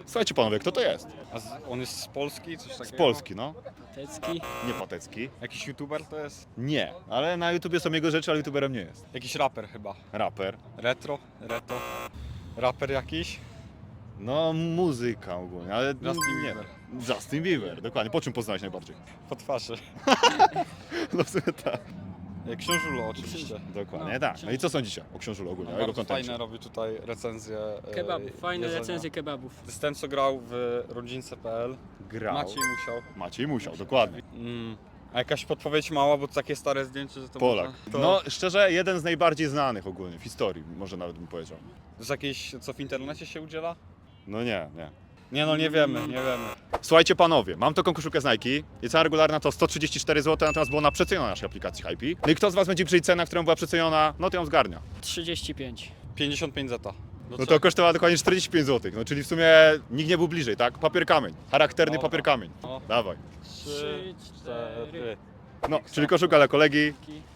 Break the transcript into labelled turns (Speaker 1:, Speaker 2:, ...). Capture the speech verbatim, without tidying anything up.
Speaker 1: Słuchajcie panowie, kto to jest?
Speaker 2: A z, on jest z Polski? Coś takiego?
Speaker 1: Z Polski, no.
Speaker 3: Tecki.
Speaker 1: Nie Patecki.
Speaker 2: Jakiś youtuber to jest?
Speaker 1: Nie, ale na YouTubie są jego rzeczy, ale YouTuberem nie jest.
Speaker 2: Jakiś raper chyba.
Speaker 1: Raper.
Speaker 2: Retro? Reto? Raper jakiś?
Speaker 1: No, muzyka ogólnie, ale
Speaker 2: Justin
Speaker 1: nie.
Speaker 2: Bieber.
Speaker 1: Justin Bieber, dokładnie. Po czym poznałeś najbardziej?
Speaker 2: Po twarzy.
Speaker 1: No w sumie tak.
Speaker 2: Książulo oczywiście.
Speaker 1: Dokładnie,
Speaker 3: No,
Speaker 1: tak. No i co sądzicie o książulu ogólnie, o jego
Speaker 2: Bardzo
Speaker 1: kontencie?
Speaker 2: fajne robi tutaj recenzje e,
Speaker 3: Kebabów, fajne
Speaker 2: jedzenia.
Speaker 3: recenzje kebabów.
Speaker 2: To jest ten, co grał w rodzince kropka pe el.
Speaker 1: Grał.
Speaker 2: Maciej musiał.
Speaker 1: Maciej musiał, dokładnie.
Speaker 2: Mm. A jakaś podpowiedź mała, bo to takie stare zdjęcie, że to
Speaker 1: Polak.
Speaker 2: można... To
Speaker 1: No szczerze, jeden z najbardziej znanych ogólnie w historii, może nawet bym powiedział.
Speaker 2: z jakiejś, co w internecie się udziela?
Speaker 1: No nie, nie.
Speaker 2: Nie no, nie wiemy, nie wiemy.
Speaker 1: Słuchajcie panowie, mam taką koszulkę z Nike i cena regularna to sto trzydzieści cztery złote, natomiast było na przeceniona naszej aplikacji Hypey. No i kto z was będzie przyjść cena, którą była przeceniona, no to ją zgarnia.
Speaker 3: trzydzieści pięć.
Speaker 2: pięćdziesiąt pięć zeta.
Speaker 1: No to kosztowała dokładnie czterdzieści pięć złotych, no czyli w sumie nikt nie był bliżej, tak? Papier kamień, charakterny
Speaker 2: Dobra.
Speaker 1: papier kamień.
Speaker 2: No.
Speaker 1: Dawaj.
Speaker 2: Trzy, cztery.
Speaker 1: No, czyli koszulka dla kolegi.